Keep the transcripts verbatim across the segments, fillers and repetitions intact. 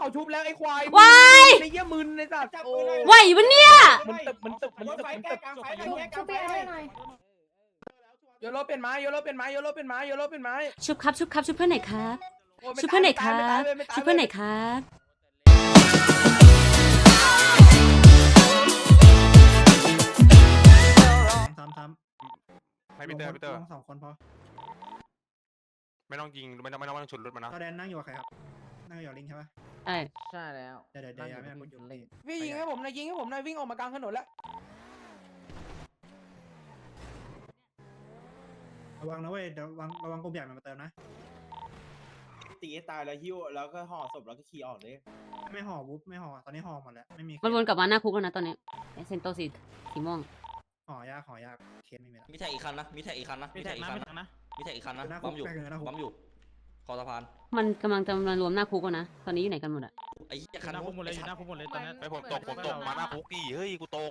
เขาชุบแล้วไอ้ควายวายไอ้เหี้ยมึนไอ้สัตว์โอ้ไหวปะเนี่ยมันตึกมันตึกมันตึกมันตึกชุบไปให้หน่อยโยโรเป็นไม้โยโรเป็นไม้โยโรเป็นไม้โยโรเป็นไม้ชุบครับชุบครับชุบเพื่อนไหนครับโอ้ยไม่ชุบเพื่อนไหนคตายรับไม่ตายชุบเพื่อนไหนครับซ้ำซ้ให้ำพีเตอร์พีเตอร์ลงสองคนพอไม่ต้องยิงไม่ต้องไม่ต้องไม่ต้องฉุดรถมันนะตอแดนนั่งอยู่กับใครครับนั่งอยู่กับลิงใช่ปะใช่ใช่แล้วเดี๋ยวเดี๋ยวเดี๋ยวไม่ต้องกดหยุดพี่ยิงให้ผมหน่อยยิงให้ผมหน่อยวิ่งออกมากลางถนนแล้วระวังนะเว้ยเดี๋ยวระวังระวังกลุ่มใหญ่มันมาเติมนะตีให้ตายแล้วหิ้วแล้วก็ห่อศพแล้วก็ขี่ออกเลยไม่ห่อวุ๊บไม่ห่อตอนนี้ห่อหมดแล้วไม่มีมันวนกลับมาหน้าคุกแล้วนะตอนนี้ไอ้เซนโตสีสีม่วงห่อยากห่อยากเคสไม่มีแล้วมีแท็กอีกคันนะ มีแท็กอีกคันนะ มีแท็กอีกคันนะ มีแท็กอีกคันนะหน้าคุปั๊กมอยู่แปลกเลยนะคุกปั๊มอยู่ คอสะพานมันกำลังจะมารวมหน้าคุกแล้วนะตอนนี้อยู่ไหนกันหมดอะไอ้เหี้ยคันหน้าคุกหมดเลยอยู่หน้าคุกหมดเลยตอนนี้ไอ้ผมตกผมตกมาหน้าคุกดิเฮ้ยกูตก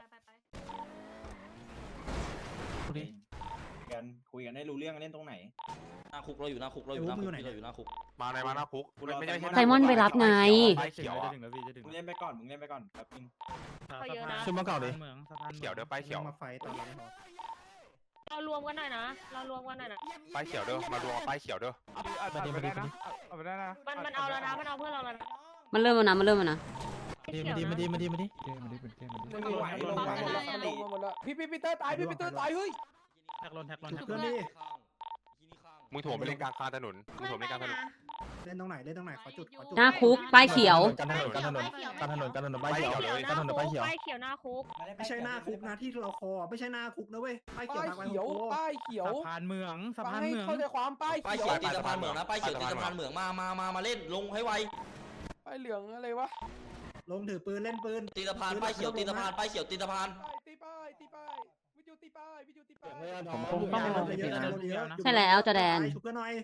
กันคุยกันให้รู้เรื่องเล่นตรงไหนหน้าคุกเราอยู่หน้าคุกเราอยู่หน้าคุกเราอยู่หน้าคุกมาในมาหน้าคุกไม่ใช่ไซมอนไปรับไงป้ายเขียวอ่ะถึงแล้วพี่จะถึงมึงเล่นไปก่อนมึงเล่นไปก่อนแป๊บนึงชุดมาเก่าเลยเมืองสะพานเขียวเด้อป้ายเขียวมาไฟตอนนี้ห่อเรารวมกันหน่อยนะ เรารวมกันหน่อยนะป้ายเขียวเด้อมารวมป้ายเขียวเด้อมาดีมาดีมาดีเอาไปได้นะมันมันเอาแล้วนะ มันเอาเพื่อนเราแล้วนะมันเริ่มแล้วนะมันเริ่มแล้วนะมาดีมาดีมาดีมาดีลงไหวลงไหวลงมาหมดแล้วพี่พี่พีเตอร์ตายพี่พีเตอร์ตายเฮ้ยแท็กลนแท็กลนแท็กเพื่อนดิมึงถ่วงไปเล่นกลางคาถนนมึงถ่วงเล่นกลางถนนเล่นตรงไหนเล่นตรงไหนขอจุดขอจุดหน้าคุกป้ายเขียวกันถนนกันถนนกันถนนกันถนนป้ายเขียวเลยกันถนนป้ายเขียวป้ายเขียวหน้าคุกไม่ใช่หน้าคุกนะที่เราคอไม่ใช่หน้าคุกนะเว้ยป้ายเขียวป้ายทางไปเขียวโอ้ป้ายเขียวสะพานเมืองสะพานให้เมืองเข้าใจความป้ายป้ายเขียเขียว วตีสะพานเหมืองนะ ป้ายเขียวตีสะพานเหมืองมา มา มา มาเล่น ลงให้ไวป้ายเหลืองอะไรวะลงถือปืนเล่นปืนตีสะพาน ป้ายเขียวตีสะพาน ป้ายเขียวตีสะพานตีป้ายตีป้ายวิจูตีป้ายวิจูตีป้ายผมคงต้องลงเยอะนะเยอะใช่แล้วจอแดนชุบเพื่อนหน่อย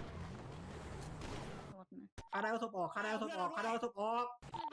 คาได้เอาศพออกคาได้เอาศพออกคาได้เอาศพออก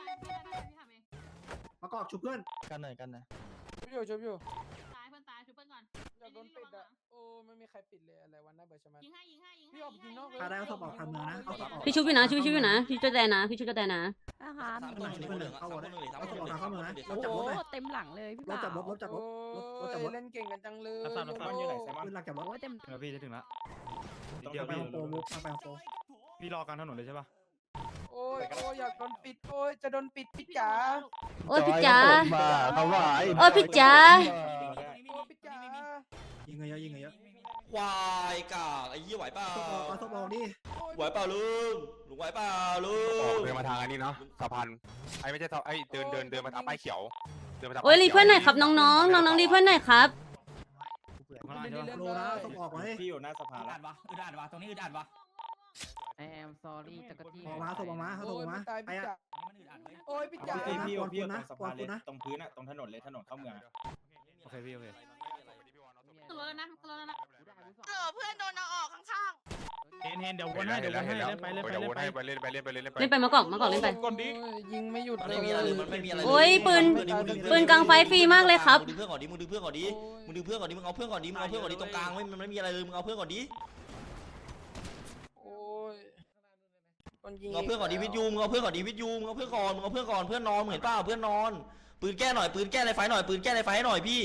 มากอกชุบเพื่อนกันหน่อยกันนะชุบอยู่ชุบอยู่ตายเพื่อนตายชุบเพื่อนก่อนอยากโดนปิดอ่ะโอ้ไม่มีใครปิดเลยอะไรวันน่าเบื่อใช่ไหมยิงให้ยิงให้ยิงให้พี่ออกยิงนอกเลยคาได้เอาศพออกทางเมืองนะเอาศพออกพี่ชุบอยู่นะชุบชุบอยู่นะพี่จอแดนนะพี่ชุบจอแดนนะนะคะสามคนหนึ่งคนเหลืองสามคนหนึ่งสามคนหนึ่งสามคนหนึ่งรถจับรถเลยเต็มหลังเลยพี่รถบ่าจับรถรถจับรถรถรถจับรถเล่นเก่งกันจังเลยรับทราบรับทราบอยู่ไหนไซมอนปืนหลักจับรถโอ้เต็มถึงแล้วพี่จะถึงแล้วต้องเดี๋ยวไปพี่ของโปรมุกไปของโปรพี่รอกลางถนนเลยใช่ปะโอ้ยโอ้ยอยากโดนปิดโอ้ยจะโดนปิดพี่จ๋าโอ้ยพี่จ๋าเขาว่าโอ้ยพี่จ๋าโอ้ยพี่จ๋ายิงเยอะยิงเยอะควายกากไอ้ยี่ไหวเปล่าศพออกเอาศพออกดิไหวเปล่าลุงลุงไหวเปล่าลุออกงเดินมาทางอันนี้เนาะสะพานไอ้ไม่ใช่ไอ้เดินเดินเดินมาทางป้ายเขียวเดินมาทางโอ้ยรีเพื่อนหน่อยครับน้องๆน้องๆรีเพื่อนหน่อยครับข้างล่างใช่ปะโลนะศพออกมาดิพี่อยู่หน้าสะพานอึดอัดวะอึดอัดวะตรงนี้อึดอัดวะแอมซอรี่จักรจี้ออกมาศพออกมาเอาศพโอ้อย อกมาพี่ตายไปพี่อ่ะจ๋ามันอึดอัดเว้ยโอ้ยพี่จ๋าพี่พี่อยู่พี่อยู่นะตรงสะพานเลยนะตรงพื้นอะตรงถนนเลยถนนเข้าเมืองอะโอเคพี่โอเคตัวแล้วนะตัวแล้วนะเออเพื่อนโดนเอาออกข้างเห็นเห็นเดี๋ยววนให้เดี๋ยววนให้เล่นไปเล่นไปเดี๋ยวเล่วนนไปให้ไปเล่นไปเล่นไปเล่นไปเล่นไปมากอกมากอกเล่นไปโอ้ยยิงไม่หยุดมันเลไม่ยมีอะไรเลยมันไม่มีอะไรเลยโอ้ยปืนปืนกลางไฟฟรีมากเลยครับมึงดึงเพื่อนก่อนดิมึงดึงเพื่อนก่อนดิมึงดึงเพื่อนก่อนดิมึงเอาเพื่อนก่อนดิมึงเอาเพื่อนก่อนดิตรงกลางไม่มันไม่มีอะไรเลยมึงเอาเพื่อนก่อนดิโอ้ยคนยิงมึงเอาเพื่อนก่อนดิวิทยูมึงเอาเพื่อนก่อนดิวิทยูมึงเอาเพื่อนก่อนมึงเอาเพื่อนก่อนเพื่อนนอนมึงเห็นเปล่าเพื่อนนอนปืนแก้หน่อยปืนแก้ในไฟหน่อยปืนแก้ในไฟหน่อยพี่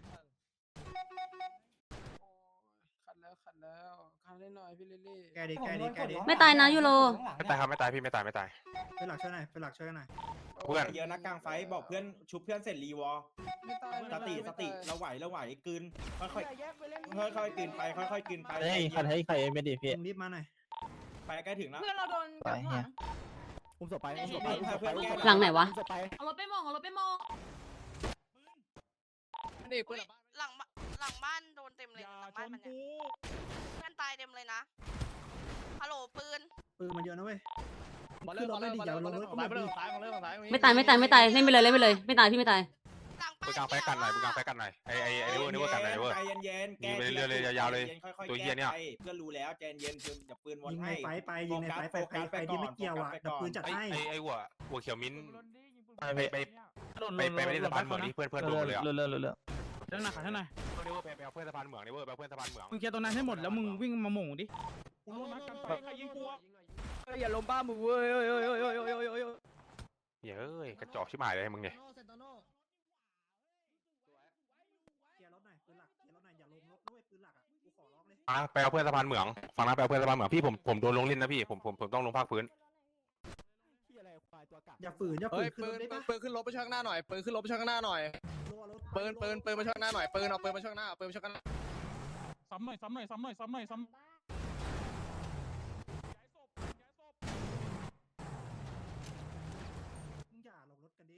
ขัดแล้วขัดแล้วขัดได้หน่อยพี่ลิลลี่แกดิแกดิแกดิไม่ตายนะยูโรไม่ตายครับไม่ตายพี่ไม่ตายไม่ตายเป็นหลักช่วยหน่อยเป็นหลักช่วยหน่อยเพื่อนเยอะนะกลางไฟบอกเพื่อนชุบเพื่อนเสร็จรีวอไม่ตายสติสติเราไหวเราไหวกลืนค่อยแยกไปเล่นๆค่อยๆกลืนไปค่อยๆกลืนไปเฮ้ยขัดให้ใครไม่ดีพี่มึงรีบมาหน่อยไปใกล้ถึงแล้วเพื่อนเราโดนกับหลังอุ้มศพไปอุ้มศพไปไปอุ้มศพไปหลังไหนวะเอารถไปมองเอารถไปมองนี่ๆเพื่อนหลังหลังบ้านโดนเต็มเลยหลังบ้านมันเนี่ยเพื่อนตายเต็มเลยนะฮัลโหลปืนปืนมันเยอะนะเว้ยคือเราไม่ดีอย่าลงรถก็ไม่ดีไม่ตายไม่ตายไม่ตายเล่นไปเลยเล่นไปเลยไม่ตายพี่ไม่ตายหลังปืบ้านกลางไฟกันหน่อยปืกลางไฟกันหน่อยไอ้ไอ้ไอ้เวอร์นี่เวอร์กันหน่อยเวอร์ใจเย็นๆแกยิงไปเรื่อยๆเลยยาวๆเลยค่อยๆตัวเหี้ยเนี่ยแก้ไปเพื่อนรู้แล้วใจเย็นคืออย่าปืนวนยิงในให้ไฟไปยิงในไฟไปใครใครที่ไม่เกี่ยวอ่ะดับปืนจัดไอ้ให้ไอ้ไอ้หัวหัวเขียวมิ้นไปไปไปไปไปไปเล่นสะพานเหมืองนี่เพื่อนเพื่อนโดนเลยอ่ะเรื่อยเรื่อยเรื่อยเรื่องหนักขัดให้หน่อยเวอร์ไปไปเอาเพื่อนสะพานเหมืองนี่เวอร์ไปเอาเพื่อนสะพานเหมืองมึงเคลียร์ตรงนั้นให้หมดแล้วมึงวิ่งมาหม่งดิอย่าล้มบ้ามึงเว้ยอกชิบหายเลยมึงเนี่ยเซนโตโน่เคลียร์รถหน่อยปืนหลักเคลียร์รถหน่อยอย่าลงรถด้วยปืนหลักอ่ะกูขอร้องเลยฟังไปเอาเพื่อนสะพานเหมืองฟังนะไปเอาเพื่อนสะพานเหมืองพี่ผมผมโดนลงลิ้นนะพี่ผมผมผมต้องลงภาคพื้นอย่าฝืนอย่าฝืเฮ้ยนขึ้นปืรนถได้ปะปืนขึ้นรถไปช่างหน้าหน่อยปืนขึ้นรถไปช่างหน้าหน่อยรัวรถปืนปืนปืนมาช่างหน้าหน่อยปืนเอาปืนมาช่างหน้าปืนมาช่างหน้าซ้ำหน่อยซ้ำหน่อยซ้ำหน่อยซ้ำหน่อยซ้ำมึงอย่าลงรถกันดิ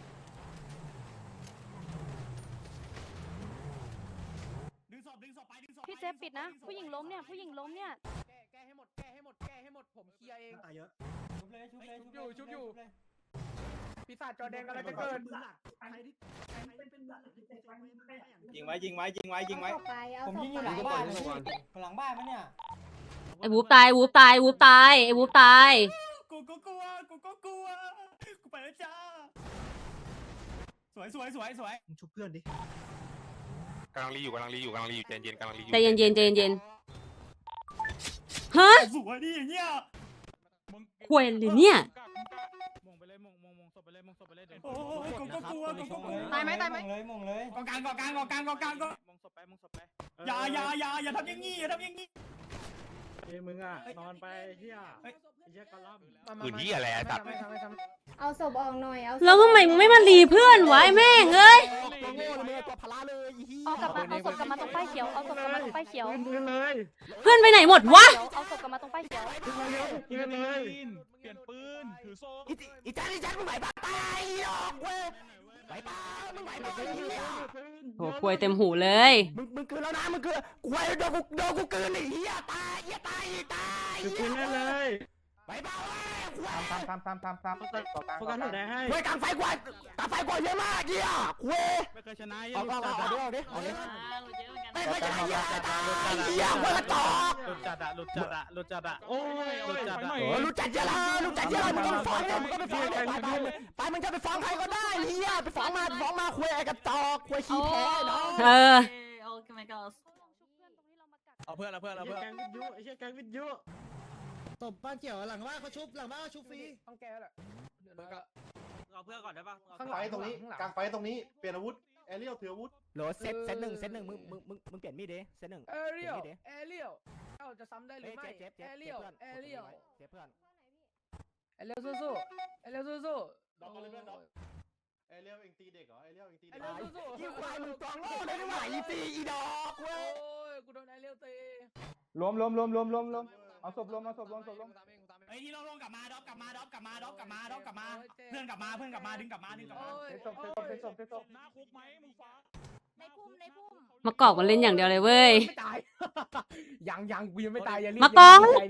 ดึงศพดึงศพไปดึงศพพี่เซฟปิดนะ ผู้หญิงล้มเนี่ยผู้หญิงล้มเนี่ยแก้แก้ให้หมดแก้ให้หมดแก้ให้หมดผมเคลียร์เองตายเยอะชุบเลยชุบเลยชุบอยู่ชุบอยู่ปีศาจจอแดงกำลังจะเกิดปืนหลักใครที่ใครที่เป็นปืนหลักที่เป็นปืนหลักยิงไว้ยิงไว้ยิงไว้ยิงไว้ผมยิงอยู่หลังบ้านหลังบ้านมั้ยเนี่ยไอ้วูบตายวูบตายวูบตายไอ้วูบตายกูก็กลัวกูก็กลัวกูไปแล้วจ้าสวยสวยสวยสวยมึงชุบเพื่อนดิกำลังรีอยู่กำลังรีอยู่กำลังรีอยู่ใจเย็นกำลังรีอยู่ใจเย็นเย็นใจเย็นเย็นฮะสวยดิอย่างเงี้ยควยเลยเนี่ยมงไปเลยมงมงมงศพไปเลยมงศพไปเลยเดี๋ยวโอ้กูก็กลัวกูก็กลัวตายไหมตายไหมเลยมงเลยกองกลางกองกลางกองกลางกองกลางก็มงศพไปมงศพไปอย่าอย่าอย่าอย่าทำอย่างงี้อย่าทำอย่างงี้เอ้มึงอ่ะนอนไปเฮียเฮียกระล่ำอื่นที่อะไรไอ้สัตว์ไม่ทำไม่ทำเอาศพออกหน่อยเอาแล้วทำไมมึงไม่มารีเพื่อนวะไอ้แม่งเอ้ยตัวโง่เลยมึงตัวพลาเลยอีฮีเอากลับมาเอาศพกลับมาตรงป้ายเขียวเอาศพกลับมาตรงป้ายเขียวปืนเลยเพื่อนไปไหนหมดวะเอาศพกลับมาตรงป้ายเขียวปืนเลยปืนเลยเปลี่ยนปืนถือโซ่อีจันอีจันมึงไหวปะตายหรอกเว้ยไหวปะมึงไหวปะโหควยเต็มหูเลยมึงมึงคืนแล้วนะมึงคืนกูไอ้โดนกูโดนกูคืนไอ้เหี้ยตายเหี้ยตายตายถือปืนได้เลยไหวปะเว้ยกูไอ้ทำทำทำทำทำโฟกัสหัวแดงให้เว้ยกลางไฟกว่ากลางไฟกว่าเยอะมากเหี้ยเว้ยไม่เคยชนะเอาเอาเอาเอาดิเอาดิเยอะเหมือนกันไม่ไม่ใช่เหี้ยตายเหี้ยคนละต่อหลุดจัดอะหลุดจัดอะหลุดจัดอะโอ้ยหลุดจัดอะเออรู้จักเยอะละรู้จักเยอะมึงก็ไปฟ้องเลยมึงก็ไปฟ้องเลยไปไปไปมึงจะไปฟ้องใครก็ได้เหี้ยไปฟ้องมาฟ้องมาคุยไอ้กระจอกคุยขี้แพ้เนาะเออโอเคไหมก็เอาเพื่อนเอาเพื่อนเอาเพื่อนแกงวิทยุไอ้เชี่ยแกงวิทยุตบบ้านเกี่ยวหลังบ้านเขาชุบหลังบ้านเขาชุบฟรีต้องแก้แหละเอาเพื่อนก่อนได้ปะข้างหไฟลังตรงนี้กลางไฟตรงนี้เปลี่ยนอาวุธแอเรียลถืออาวุธโหลเซตเซตหนึ่งเซตหนึ่งมึงมึงมึงมึงเปลี่ยนมีดดิเซตหนึ่งเอเรียลเอเรียลเอ้าจะซ้ำได้หรือไม่เอเรียลเอเรียลเจ็บเพื่อนเอเรียลสู้ๆเอเรียลสู้ๆดอกเลยเพื่อนดอกแอเรียลเองตีเด็กเหรอแอเรียลเองตีไอเด็กเลี้ยวสู้ๆยิ่งควายมึงตองโง่ได้ไม่ไหวอีตีอีดอกเว้ยโอ้ยกูโดนไอเลี้ยวตีรวมรวมรวมรวมรวมรวมเอาศพรวมเอาศพรวมศพรวมเฮ้ยที่เราลงกลับมาดอกกลับมาดอกกลับมาดอกกลับมาดอกกลับมาเพื่อนกลับมาเพื่อนกลับมาดึงกลับมาดึงกลับมาเทศศพเทศศพเทศศพหน้าคุกไหมมึงฟ้าในพุ่มในพุ่มมากอกมันเล่นอย่างเดียวเลยเว้ยไม่ตายยังยังกูยังไม่ตายอย่ารีบมากองดิตรง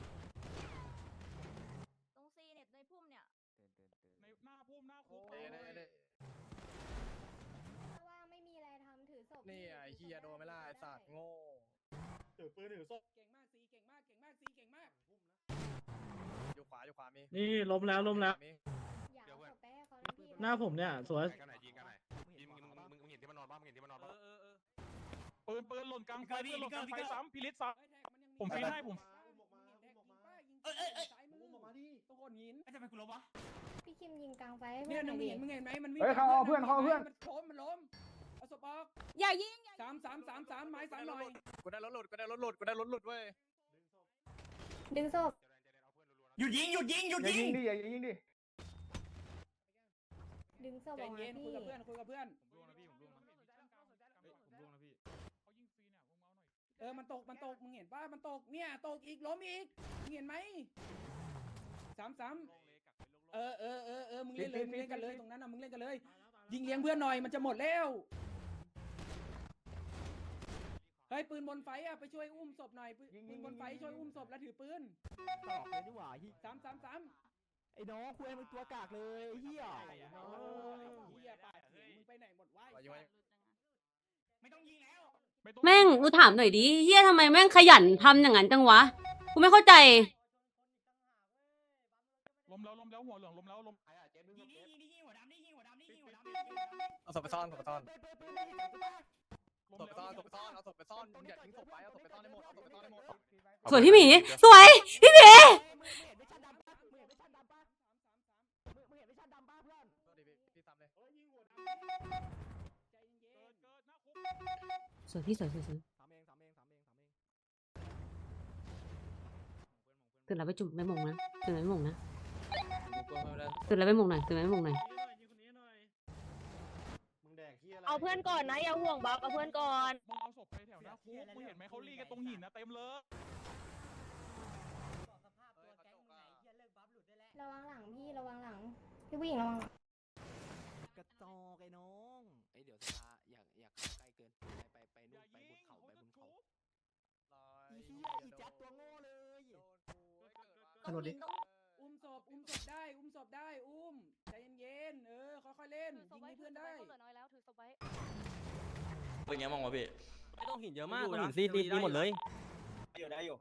ซีเน็ตในพุ่มเนี่ยในหน้าพุ่มหน้าคุกเน่เน่ว่างไม่มีอะไรทำถือศพนี่ไอ้เฮียโดนไม่ล่ะไอ้สัตว์โง่ถือปืนถือโซ่เก่งมากซีเก่งมากเก่งมากซีเก่งมากอยู่ขวาอยู่ขวามีนี่ล้มแล้วล้มแล้วมีอย่าเอาศพไปให้เขาที่หน้าผมเนี่ยสวยกันไหนยิงกันไหนยิงมึงมึงมึงเห็นที่มันนอนบ้างมึงเห็นที่มันนอนบ้างปืนปืนหล่นกลางไฟปืนหล่นกลางไฟซ้ำพิลิตซ้ำผมฟีให้ผมเอ้ยเอ้ยเอ้ยอุ้มออกมาดิตัวคนหินทำไมกูล้มวะพี่คิมยิงกลางไฟให้เนี่เพื่ยอนหมึน่อง ยเห็นมึงดิเห็นไหมมันวิ่งเฮ้ยเขาเอาเพื่อนเขาเอาเพื่อนมันล้มมันล้มเอาศพออกอย่ายิงสามสามสามสามไม้สามหน่อยกูได้รถหลุดกูได้รถหลุดกูได้รถหลุดเว้ยดึงศพหยุดยิงหยุดยิงหยุดอย่ายิยิงงดิอย่ายิงดิดึงศพใจออกมาเย็นคุยพี่กับเพื่อนคุยกับเพื่อนผมร่วงนะพี่ผมร่วงนะผมร่วงนะพี่เขายิงฟรีเนี่ยมึงเมาหน่อยเออมันตกมันตกมึงเห็นป่ะมันตกเนี่ยตกอีกล้มอีกมึงเห็นไหมสามสามเออเออเออเออมึงเล่นเลยมึงเล่นกันเลยตรงนั้นนะมึงเล่นกันเลย ยิงเลี้ยงเพื่อนหน่อยมันจะหมดแล้วเฮ้ยปืนบนไฟอ่ะไปช่วยอุ้มศพหน่อยปืนปืนบนไฟช่วยอุ้มศพแล้วถือปืนตอกเลยดีกว่าสามสามสามไอ้น้องคุยมึงตัวกากเลยเฮียโอ้ยเฮียปาดถึงมึงไปไหนหมดวะไม่ต้องยิงแล้วแม่งกูถามหน่อยดิเฮียทำไมแม่งขยันทำอย่างนั้นจังวะกูไม่เข้าใจล้มแล้วล้มแล้วหัวเหลืองล้มแล้วล้มยิงนี่ยิงนี่ยิงหัวดำนี่ยิงหัวดำนี่ยิงหัวดำนี่ยิงหัวดำเอาศพไปซ่อนศพไปซ่อนล้มศพไปซ่อนแล้วศพไปซ่อนเอาศพไปซ่อนอย่าทิ้งศพไปเอาศพไปซ่อนให้หมดเอาศพไปซ่อนให้หมดสวยพี่หมีสวยพี่หมีมึงเห็นไม่ชันดำปะมึงเห็นไม่ชันดำปะมึงเห็นไม่ชันดำปะเพื่อนสวยพี่สวยสวยสวยตื่นแล้วไปจุ่มไม่มงนะตื่นแล้วไม่มงนะตื่นแล้วไม่มงหน่อยตื่นแล้วไม่มงหน่อยมึงแดกเฮียอะไรเอาเพื่อนก่อนนะอย่าห่วงบัฟเอาเพื่อนก่อนมึงเอาศพไปแถวหน้าคุกมึงเห็นไหมเขาลีกันตรงหินนะเต็มเลยระวังหลังพี่ระวังหลังพี่ผู้หญิงระวังหลังกระจอกไอ้น้องไอ้เดี๋ยวสภาอยากอยากเข้าใกล้เกินไปไปไปนู่นไปบนเขาไปบนเขาอีเหี้ยอีแจ๊ดตัวโง่เลยถนนดิอุ้มศพอุ้มศพได้อุ้มศพได้อุ้มใจเย็นๆเออค่อยๆเล่นยิงให้เพื่อนได้เป็นไงบ้างวะพี่ไม่ต้องหินเยอะมากต้องหินซีดีดีหมดเลยอยู่ได้อยู่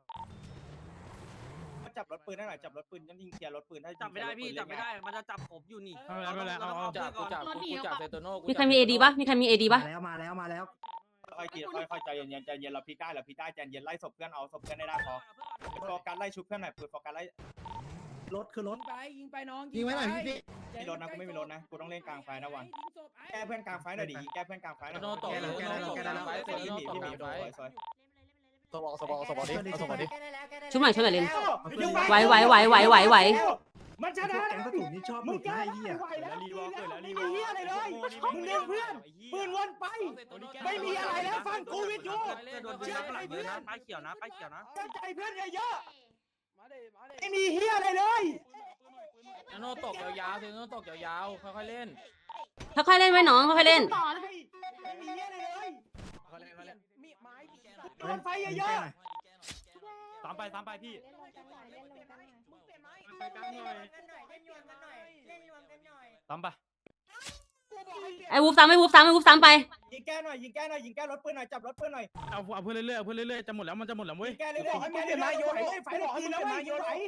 จับรถปืนได้หน่อยจับรถปืนยังยิงเคลียร์รถปืนได้จับไม่ได้พี่จับไม่ได้มันจะจับผมอยู่นี่ไม่เป็นไรไม่เป็นไรเอาเอาจับกูจับกูจับเซโตโน่มีใครมีเอดีปะมีใครมีเอดีปะแล้วมาแล้วมาแล้วค่อยๆกินค่อยๆใจเย็นๆใจเย็นเราพีได้เราพีได้ใจเย็นไล่ศพเพื่อนเอาศพเพื่อนได้ได้พอโฟกัสไล่ชุบเพื่อนหน่อยโฟกัสไล่รถคือรถไปยิงไปน้องยิงไว้หน่อยพี่มีรถนะกูไม่มีรถนะกูต้องเล่นกลางไฟนะวันแก้เพื่อนกลางไฟหน่อยดิแก้เพื่อนกลางไฟหน่อยโน่ตกเลยโน่ตกเลยพี่หมีพี่หมีสวยสวยสบอสบอสบอดิสบอดิชุบหน่อยชุบหน่อยเลนไหวไหวไหวไหวไหวไหวมันชนะแกงกระสุนนี่ชอบมึงแกไอ้เหี้ยแล้วรีวอล์กแล้วรีวอล์กเหี้ยอะไรเลยมึงเล่นเพื่อนปืนวนไปไม่มีอะไรแล้วฟังกูวิทยุโดนปืนหลังเลยนะป้ายเขียวนะป้ายเขียวนะเข้าใจเพื่อนเยอะๆไม่มีเฮียอะไรเลยโน่ตกยาวๆเซโน่ตกยาวๆค่อยๆเล่นค่อยๆเล่นไว้น้องค่อยๆเล่นไม่มีเฮียอะไรเลยมีไม้โดนไฟเยอะตามไปตามไปพี่เล่นรวมกันหน่อยเล่นรวมกันหน่อยไปกลางหน่อยตามไปไอ้วูฟซ้ำไอ้วูฟซ้ำไอ้วูฟซ้ำไปๆยิงแก้หน่อยยิงแก้หน่อยยิงแก้รถปืนหน่อยจับรถปืนหน่อยเอาเอาเพื่อนเรื่อยๆเอาเพื่อนเรื่อยๆจะหมดแล้วมันจะหมดแล้วเว้ยแก้เรื่อยๆยิงแก้เรื่อยๆโยนไฟบอกให้มึงเป็นมาโยนไหน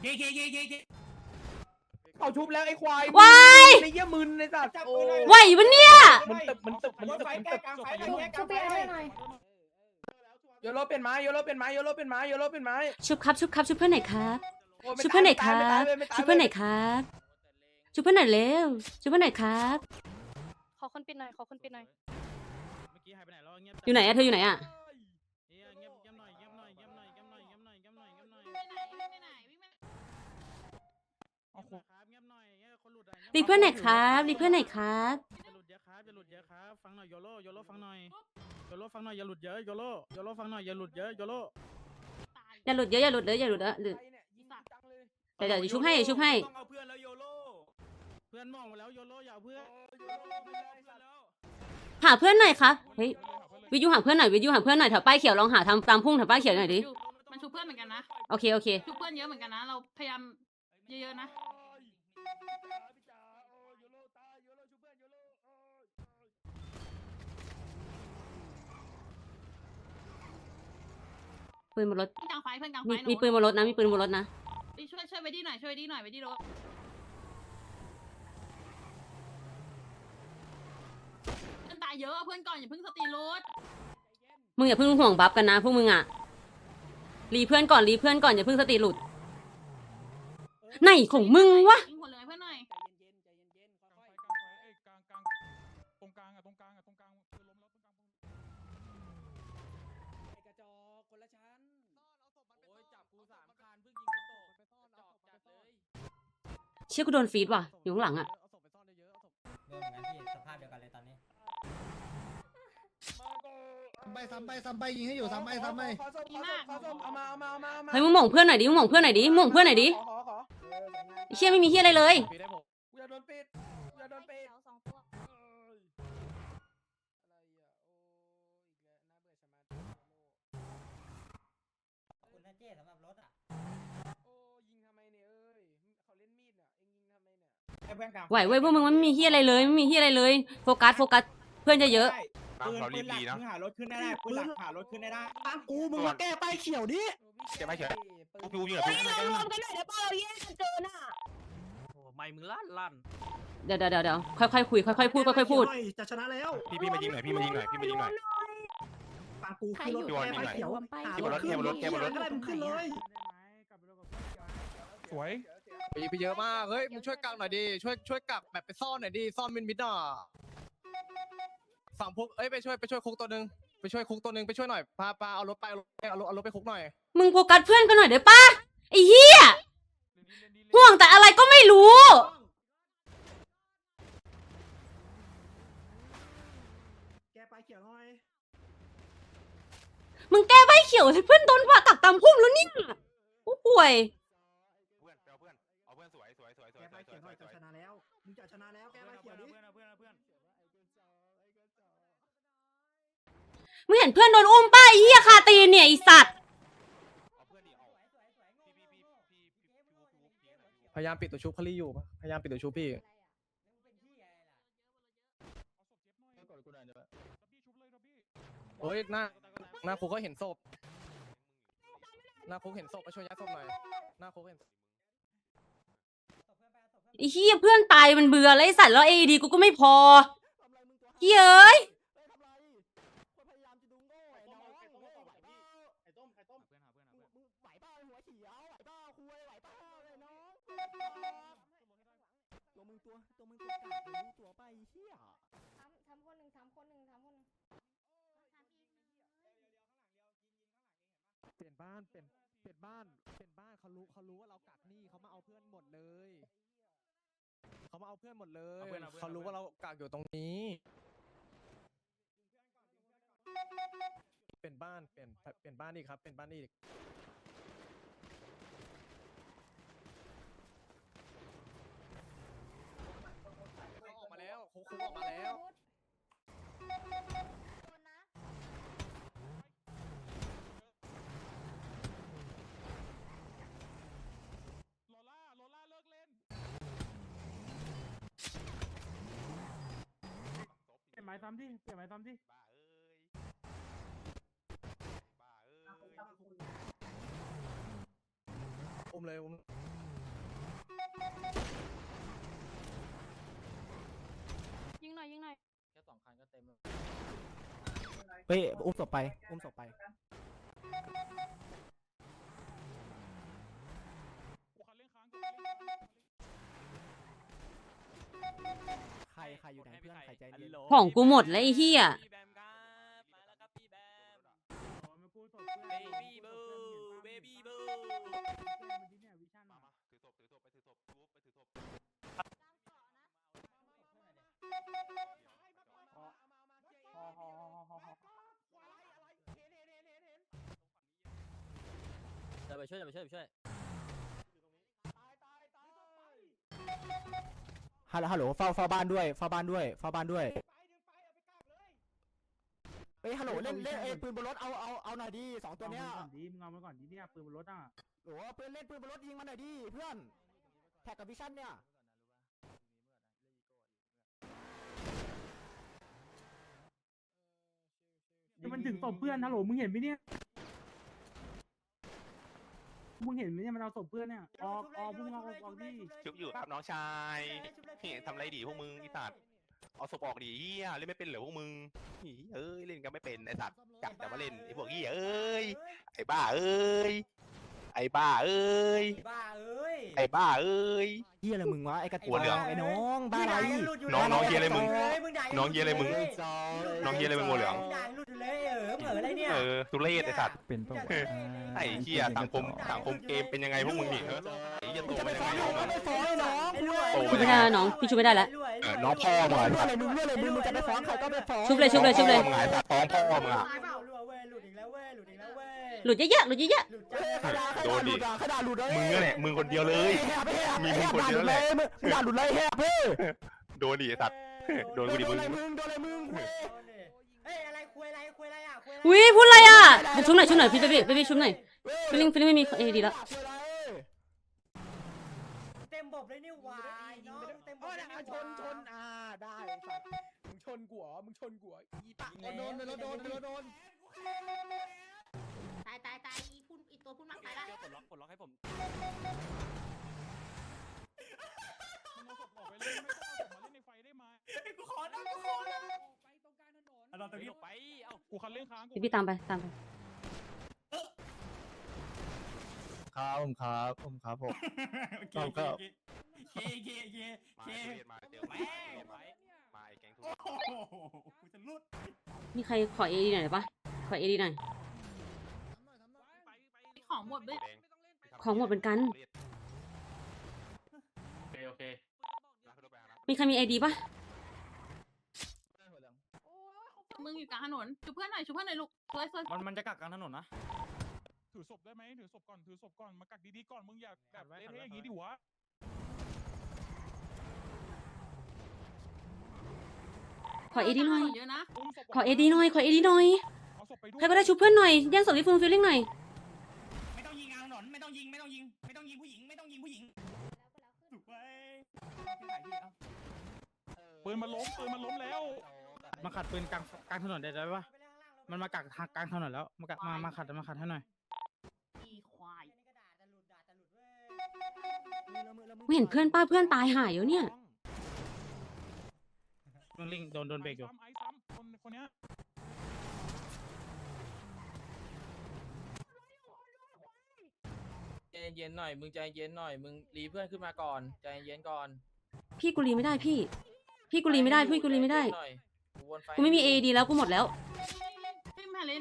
เขาชุบแล้วไอ้ควายว้ายไอ้เหี้ยมึนไอ้สัตว์จับโอ้ปืนหน่อยไหวปะเนี่ยมันตึบมันตึบมันรถตึบไฟมันแก้ตึบกลางไฟชุบแก้กชุลาบงไฟพี่ให้หน่อยโยโรเป็นไม้โยโรเป็นไม้โยโรเป็นไม้โยโรเป็นไม้ชุบครับชุบครับชุบเพื่อนหน่อยครับโอ้ยไม่ชุบเพื่อนหน่อยคตารับไม่ตายไม่ตายชุบเพื่อนหน่อยครับชุบเพื่อนหน่อยเร็วชุบเพื่อนหน่อยครับขอคนปิดหน่อยขอคนปิดหน่อยเมื่อกี้หายไปไหนแล้วเงียบอยู่ไหนอะเธออยู่ไหนอะเงียบเงียบเงียบหน่อยเงียบหน่อยเงียบหน่อยเงียบหน่อยเงียบหน่อยเงียบหน่อยเงียบหน่อยเอาคุครับเงียบหน่อยเงียบคนหลุดอะรีเพื่อนหน่อยครับรีเพื่อนหน่อยครับอย่าหลุดเยอะครับอย่าหลุดเยอะครับฟังหน่อยโยโร่โยโร่ฟังหน่อยโยโร่ฟังหน่อยอย่าหลุดเยอะโยโร่โยโร่ฟังหน่อยอย่าหลุดเยอะโยโร่อย่าหลุดเยอะอย่าหลุดเลยอย่าหลุดเยอะหลุดใครเนี่ยยิงจังเลยเดี๋ยวเดี๋ยวชุบให้ชุบให้ต้องเอาเพื่อนแล้วโยโร่เพื่อนมองมาแล้วโยโร่อย่าเอาเพื่อนหาเพื่อนหน่อยครับเฮ้ยวิทยุหาเพื่อนหน่อยวิทยุหาเพื่อนหน่อยแถวป้ายเขียวลองหาทำตามพุ่งแถวป้ายเขียวหน่อยดิมันชุบเพื่อนเหมือนกันนะโอเคโอเคชุบเพื่อนเยอะเหมือนกันนะเราพยายามเยอะๆนะปืนบนรถเพื่อนกลางไฟเพื่อนกลางไฟมีมีปืนบนรถนะมีปืนบนรถนะไปช่วยช่วยไว้ดีหน่อยช่วยไว้ดีหน่อยไว้ดีรถเพื่อนตายเยอะเพื่อนก่อนอย่าเพิ่งสตีรถมึงอย่าเพิ่งห่วงบัฟกันนะพวกมึงอะรีเพื่อนก่อนรีเพื่อนก่อนอย่าเพิ่งสติหลุดไหนของมึงวะยิงหัวเหลืองให้เพื่อนหน่อยใจเย็นๆใจเย็นๆค่อยกลางไฟเอ้ยกลางกลางตรงกลางอะตรงกลางอะตรงกลางคือล้มแล้วตรงกลางๆไอ้กระจอกคนละชั้นโอ้ยจับกูสามคันเพิ่งยิงกูตกจอกจัดเลยเชี่ยกูโดนฟีดว่ะอยู่ข้างหลังอะเอาศพไปซ่อนเยอะๆเอาศพเรื่องนั้นพี่สภาพเดียวกันเลยตอนนี้ไปซ้ำไปซ้ำไปยิงให้อยู่ซ้ำไปซ้ำไปขอส้มขอส้มขอส้มเอามาเอามาเอามาเอามาเฮ้ยมึงหม่งเพื่อนหน่อยดิมึงหม่งเพื่อนหน่อยดิมึงหม่งเพื่อนหน่อยดิขอขอขอเออสวยงามไอ้เชี่ยไม่มีเฮียอะไรเลยปีได้ผมกูจะโดนปิดกูจะโดนปิดสองตัวเอ้ยอะไรอ่ะโอ้อีกแล้วน่าเบื่อชะมัดขอบคุณนะเจ้สำหรับรถอ่ะโอ้ยิงทำไมเนี่ยเอ้ยเขาเล่นมีดอ่ะเอ็งยิงทำไมเนี่ยให้เพื่อนกลางไหวเว้ยพวกมึงมันไม่มีเฮียอะไรเลยไม่มีเฮียอะไรเลยโฟกัสโฟกัสเพื่อนจะเยอะปืนเราปืรีนบหลัดีกนะมึงหารถขึ้นได้ปืนหลักหารถขึ้นได้ปังกูมึงมาแก้ป้ายเขียวดิเก็บไว้เฉยปืนกูยิงเหรอพี่เรารวมกันหน่อยเดี๋ยวป้าเราแยกกันเจอน่ะโอ้ไม่มึงลั่นลั่นเดี๋ยวเดี๋ยวเดี๋ยวเดี๋ยวค่อยๆคุยค่อยๆพูดค่อยๆพูดจะชนะแล้วพี่พี่มายิงหน่อยพี่มายิงหน่อยพี่มายิงหน่อยปังกูขึ้นรถพี่วอนยิงหน่อยเขียวพี่บนรถพี่บนรถพี่บนรถก็ได้มึงขึ้นเลยสวยไปไปเยอะมากเฮ้ยมึงช่วยกักหน่อยดิช่วยช่วยกักแบบไปซ่อนหน่อยดิซ่อนมินมิดอ่ะฝั่งพวกเอ้ยไปช่วยไปช่วยคุกตัวนึงไปช่วยคุกตัวนึงไปช่วยหน่อยพาพาเอารถไปเอารถเอารถเอารถไปคุกหน่อยมึงโฟกัสเพื่อนกันหน่อยได้ปะไอ้เหี้ยห่วงแต่อะไรก็ไม่รู้แกไปเขียวหน่อยมึงแก้ใบเขียวให้เพื่อนโดนผ่าตัดตามพุ่มแล้วเนี่ยผู้ป่วยเพื่อนไปเอาเพื่อนเอาเพื่อนสวยสวยสวยสวยแกสไปวยสเขีวยยวหน่อยสจะวยชนะแล้วมึงจะชนะแล้วแกไปเขียวดิมึงเห็นเพื่อนโดนอุ้มป้าไอ้เหี้ยคาตีนเนี่ยไอ้สัตว์เอาเพื่อนดิเอาพี่พี่พี่พี่พี่พี่พี่วุ๊บพี่วุ๊บพี่หน่อยพี่วุ๊บพยายามปิดตัวชุบคลี่อยู่พยายามปิดตัวชุบพี่โอ้ยหน้าหน้าคุกก็เห็นศพหน้าคุกเห็นศพมาช่วยยัดศพหน่อยหน้าคุกเห็นไอ้เหี้ยเพื่อนตายมันเบื่อแล้วไอ้สัตว์แล้วเอดีกูก็ไม่พอเหี้ยเอ้ยตัวมึงตัวตัวมึงตัวกากเลยรู้ตัวไปเฮียทำทำคนหนึ่งทำคนหนึ่งทำคนหนึ่งเปลี่ยนบ้านเปลี่ยนเปลี่ยนบ้านเปลี่ยนบ้านเขารู้เขารู้ว่าเรากักหนี้เขามาเอาเพื่อนหมดเลยเขามาเอาเพื่อนหมดเลยเขารู้ว่าเรากักอยู่ตรงนี้เปลี่ยนบ้านเปลี่ยนเปลี่ยนบ้านอีกครับเปลี่ยนบ้านอีกออกมาแล้วคุกคุกออกมาแล้วโลล่าโลล่าเลิกเล่นเปลี่ยนไม้ซ้ำดิเปลี่ยนไม้ซ้ำดิบ้าเอ้ยบ้าเอ้ยอุ้มเลยอุ้มยิงหน่อยยิงหน่อยแค่สองคันก็เต็มแล้วเฮ้ยอุ้มศพไปอุ้มศพไปใครใครอยู่ไหนเพื่อนใครใจเย็นของกูหมดแล้วไอ้เหี้ยเบบี้บูมามาถือศพถือศพไปถือศพวุ๊บไปถือศพเดี๋ยวไปช่วยเดี๋ยวไปช่วยไปช่วยฮัลโหลฮัลโหลเฝ้าเฝ้าบ้านด้วยเฝ้าบ้านด้วยเฝ้าบ้านด้วยเฮ้ยฮัลโหลเล่นเล่นเอ้ปืนบนรถเอาเอาเอาหน่อยดิสองตัวเนี้ยก่อนดีมึงเอามาก่อนดีเนี่ยปืนบนรถอ่ะโหเพื่อนเล่นปืนบนรถยิงมาหน่อยดิเพื่อนแท็กกับวิชั่นเนี่ยมันถึงศพเพื่อนฮัลโหลมึงเห็นไหมเนี่ยมึงเห็นไหมเนี่ยมันเอาศพเพื่อนเนี่ยออกออกมึงเอาออกดิชุบอยู่ครับน้องชายนี่ทำอะไรดีพวกมึงไอ้สัตว์เอาศพออกดิเฮียเล่นไม่เป็นเหรอพวกมึงหีเอ้ยเล่นกันไม่เป็นไอ้สัตว์จับแต่มาเล่นไอ้พวกเฮียเอ้ยไอ้บ้าเอ้ยไอ้บ้าเอ้ยบ้าเอ้ยไอ้บ้าเอ้ยเฮียอะไรมึงวะไอ้กระหัวเหลืองไอ้น้องบ้าอะไรน้องน้องเฮียอะไรมึงน้องเฮียอะไรมึงน้องเฮียอะไรมึงหัวเหลืองด่าหลุดเลยเออเหมืออะไรเนี่ยเออทุเรศไอ้สัตว์เป็นปะไอ้เฮียสังคมสังคมเกมเป็นยังไงพวกมึงนี่เออไอ้เฮียโตจะไปเป็นยังฟ้องไงน้องไม่ฟ้องไอ้น้องโตชุเป็บนไม่ยังไงได้แล้วน้องพี่ชุบไม่ได้แล้วเออน้องพ่อมึงเรื่องอะไรมึงเรื่องอะไรมึงมึงจะไปฟ้องใครก็ไปฟ้องชุบเลยชุบเลยชุบเลยมึงไงสัตว์ฟ้องพ่อมึงอ่ะหลุดอีกแล้วเว้ยหลุดอีกแล้วเว้ยหลุดเยอะๆหลุดเยอะหลุดเฮ้ยใครด่าใครโดด่าน หดิลุดอ่ะใครด่าหลุดเลยมึงนั่นแหละมึงคนเดียวเลย มีมึงคนเดียวแหละมึงด่าหลุดเลยแฮะเพ่โดนดิไอ้สัตว์โดนกูดิโดมึนงอะไรมึงโดนอะไรมึงเว้ยเฮ้ยอะไรคุยอะไรคุยอะไรอ่ะคุยอะไรๆอุ้ยพูดอะไรอ่ะชุบหน่อยชุบหน่อยพี่เบบี้เบบี้ชุบหน่อยฟิลลิ่งฟิลลิ่งไม่มีเอดีแล้วเต็มบบเลยนี่หว่าน้องเต็มบบเลยนี่หว่าชนชนอ่าได้สัตว์มึงชนกูเหรอมึงชนกูเหรออีปะโดนโดนโดนโดนตายตายตายอีพุ่นอีตัวพุ่นมากตายละปลดล็อกปลดล็อกให้ผมมันเอาศพออกไปเลยไม่ต้องเอาศพมาเล่นในไฟได้ไหมกูขอนะกูขอนะเอาตรงนี้ไปเอ้ากูคันเร่งค้างกูพี่ตามไปตามไปครับผมครับผมครับผมโอเคโอเคโอเคโอเคโอเคมาโอเคทุเรศมาเจอมามาไอ้แก๊งทุเรโอ้ศโหกูจะลุดมีใครขอเอดีหน่อยได้ปะขอเอดีหน่อยของหมดเลยของหมดเหมือนกันโอเคโอเคมีใครมีไอดีปะมึงอยู่กลางถนนช่วยเพื่อนหน่อยช่วยเพื่อนหน่อยลูกสวยสวยมันมันจะกักกลางถนนนะถือศพได้ไหมถือศพก่อนถือศพก่อนมากักดีๆก่อนมึงอยากแบบเละๆอย่างนี้ดิวะขอเอดีหน่อยเยอะนะขอเอดีหน่อย ขอเอดีหน่อยเอาศพไปด้วยใครก็ได้ชุบเพื่อนหน่อย แย่งศพที่ฟูลฟิลลิ่งหน่อยไม่ต้องยิงกลางถนนไม่ต้องยิงไม่ต้องยิงไม่ต้องยิงผู้หญิงไม่ต้องยิงผู้หญิงถูกไว้ปืนมันล้มปืนมันล้มแล้วมาขัดปืนกลางกลางถนนได้ไหมวะมันมากักทางกลางถนนแล้วมากักมามาขัดมาขัดให้หน่อยอีควายไม่เห็นเพื่อนป้าเพื่อนตายหายอยู่เนี่ยมึงลิงโดนโดนเบรกอยู่ไอ้ซ้ำคนคนเนี้ยใจเย็นๆหน่อยมึงใจเย็นหน่อยมึงรีเพื่อนขึ้นมาก่อนใจเย็นก่อนพี่กูรีไม่ได้พี่ พี่กูรีไม่ได้ พี่กูรีไม่ได้ใจเย็นหน่อยกูวนฟกูไม่มีเอดีแล้วกูหมดแล้วพี่มาเล่น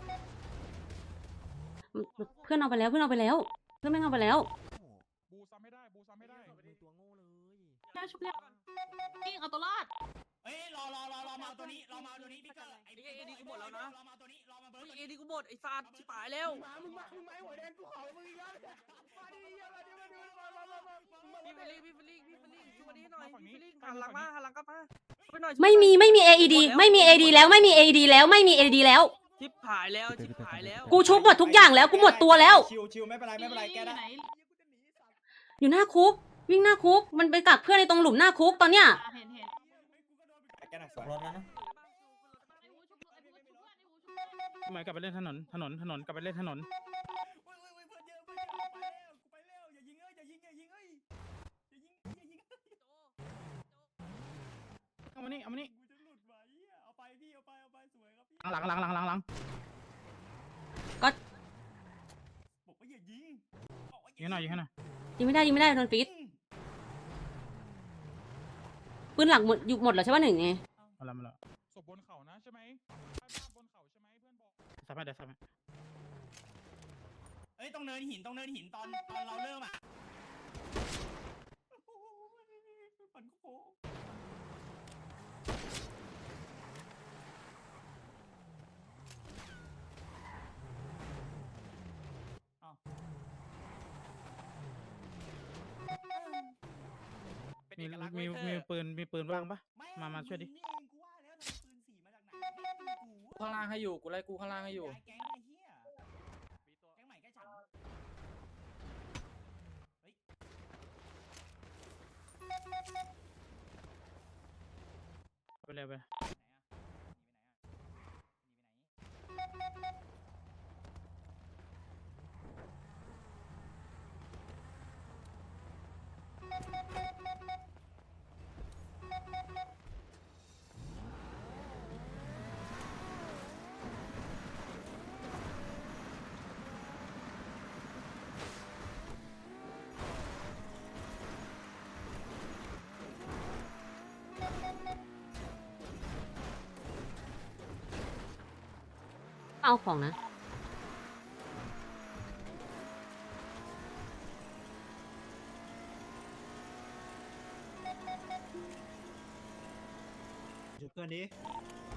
เพื่อนเอาไปแล้ว เพื่อนเอาไปแล้ว เพื่อนไม่งเอาไปแล้วบูซ้ำไม่ได้บูซ้ำไม่ได้ตัวโง่เลยแค่ชุบเรียกพี่เอาตัวรอดเฮ้ยรอรอรอรอมาเอาตัวนี้รอมาเอาตัวนี้พี่เกอร์ไอ้เอดีกูหมดแล้วนะรอมาเอาตัวนี้รอมาเบิร์ดเอดีกูหมดไอ้สัตว์ชิบหายแล้วมามึงมามึงมาหัวแดงกูขอมึงอีกแล้วมาดิมาดิมาดิมามามามาพี่เฟลลี่พี่เฟลลี่พี่เฟลลี่ช่วยนี้หน่อยพี่เฟลลี่หันหลังมาหันหลังกลับมาช่วยหน่อยไม่มี ไม่มีเอดีไม่มีเอดีแล้ว ไม่มีเอดีแล้ว ไม่มีเอดีแล้วชิบหายแล้วชิบหายแล้วกูชุบหมดทุกอย่างแล้ว กูหมดตัวแล้วชิวชิวไม่เป็นไรไม่เป็นไรแกได้อยู่หน้าคุก วิ่งหน้าคุก มันไปกักเพื่อนในตรงหลุมหน้าคุกตอนเนี้ยเห็นเห็นแกน่ะสวยรถแล้วนะทำไมกลับไปเล่นถนนถนนถนนกลับไปเล่นถนนเว้ยเว้ยเว้ยเพื่อนเยอะเพื่อนเยอะไปแล้วกูไปแล้วกูไปแล้วอย่ายิงเอ้ยอย่ายิงอย่ายิงเอ้ยอย่ายิงอย่ายิงเอามานี่เอามานี่กูจะหลุดไว้เอาไปพี่เอาไปเอาไปสวยครับพี่หลังหลังหลังหลังหลังก็บอกว่าอย่ายิงบอกว่ายิงหน่อยยิงหน่อยยิงไม่ได้ยิงไม่ได้โดนฟีดปืนหลักหมดอยู่หมดแล้วใช่ป่ะหนึ่งไงมาแล้วมาแล้วศพบนเขานะใช่ไหมใช่บนเขาใช่ไหมเพื่อนบอกทำไมเดี๋ยวทำไมเอ้ยต้องเนินหินต้องเนินหินตอนตอนเราเริ่มอ่ะโอ้โหปั่นโค้งอ้าวมีมีมีปืนมีปืนว่างปะมามาช่วยดินี่เองกูว่าแล้วทำไมปืนสีมาจากไหนแม่งปืนกูข้างล่างให้อยู่กูไล่กูข้างล่างให้อยู่ย้ายแก๊งไอ้เหี้ยแก๊งใหม่แก๊งฉันเฮ้ยไปเลยไปไหนอะหนีไปไหนอะหนีไปไหนเอาของนะจุดเพื่อนดิ